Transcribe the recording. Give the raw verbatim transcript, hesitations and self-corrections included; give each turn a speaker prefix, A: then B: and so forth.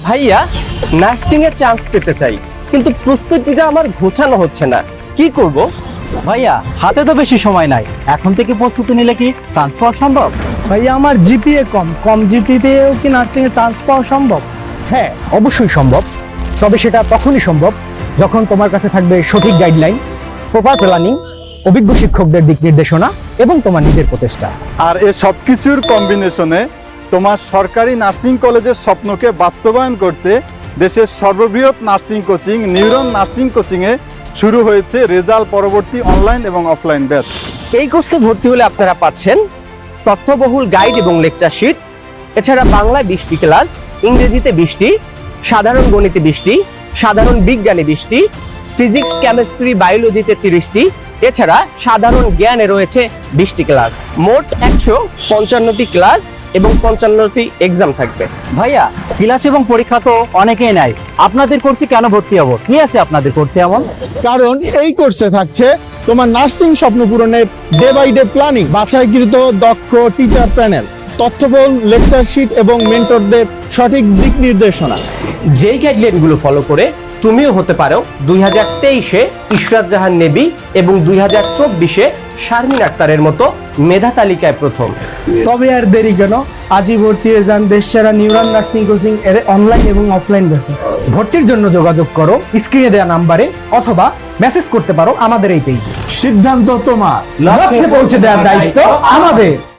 A: ভাইয়া নার্সিং এর চান্স পেতে চাই, কিন্তু প্রস্তুতিটা আমার গোছানো হচ্ছে না, কি করব?
B: ভাইয়া হাতে তো বেশি সময় নাই, এখন থেকে প্রস্তুতি নিলে কি চান্স পাওয়া সম্ভব?
C: ভাইয়া আমার জিপিএ কম কম জিপিএও কি নার্সিং এ চান্স পাওয়া সম্ভব?
D: হ্যাঁ, অবশ্যই সম্ভব। তবে সেটা তখনই সম্ভব যখন তোমার কাছে থাকবে সঠিক গাইডলাইন, প্রপার প্ল্যানিং, অভিজ্ঞ শিক্ষকদের দিক নির্দেশনা এবং তোমার নিজের প্রচেষ্টা।
E: আর এ সবকিছুর কম্বিনেশনে তোমার সরকারি নার্সিং কলেজের স্বপ্নকে বাস্তবায়ন করতে দেশের সর্ববৃহৎ নার্সিং কোচিং নিউরন নার্সিং কোচিংয়ে শুরু হয়েছে রেজাল্ট পরবর্তী অনলাইন এবং অফলাইন ব্যাচ।
A: এই কোর্সে ভর্তি হলে আপনারা পাচ্ছেন তথ্যবহুল গাইড এবং লেকচার শিট, এছাড়া বাংলায় বিশটি ক্লাস, ইংরেজিতে বিশটি, সাধারণ গণিতে বিশটি, সাধারণ বিজ্ঞানে বিশটি, ফিজিক্স কেমিস্ট্রি বায়োলজিতে তিরিশটি, এছাড়া সাধারণ জ্ঞানে রয়েছে বিশটি ক্লাস। মোট একশো পঞ্চান্নটি ক্লাস এবং পঞ্চান্নটি এক্সাম থাকবে।
B: ভাইয়া ক্লাস এবং পরীক্ষা তো অনেকেই নাই, আপনাদের কোর্সে কেন ভর্তি হবো? কি আছে আপনাদের কোর্সে এমন?
F: কারণ এই কোর্সে থাকছে তোমার নার্সিং স্বপ্ন পূরণের ডে বাই ডে প্ল্যানিং, বাছাইকৃত দক্ষ টিচার প্যানেল, তথ্যবহুল লেকচার শিট এবং মেন্টরদের সঠিক দিক নির্দেশনা।
A: যেই গাইডলাইনগুলো ফলো করে তুমিও হতে পারো দুই হাজার তেইশে ইশরাত জাহান নেবি এবং দুই হাজার চব্বিশে শারমিন আক্তারের মতো মেধা তালিকায় প্রথম।
C: তবে আর দেরি কেন, আজই ভর্তি হয়ে যান দেশসেরা নিউরন নার্সিং কোচিং এর অনলাইন এবং অফলাইন ব্যাচে।
D: ভর্তির জন্য যোগাযোগ করো স্ক্রিনে দেওয়া নাম্বারে অথবা মেসেজ করতে পারো আমাদের এই পেজে।
F: সিদ্ধান্ত তোমার,
D: লক্ষ্যে পৌঁছে দেওয়ার দায়িত্ব আমাদের।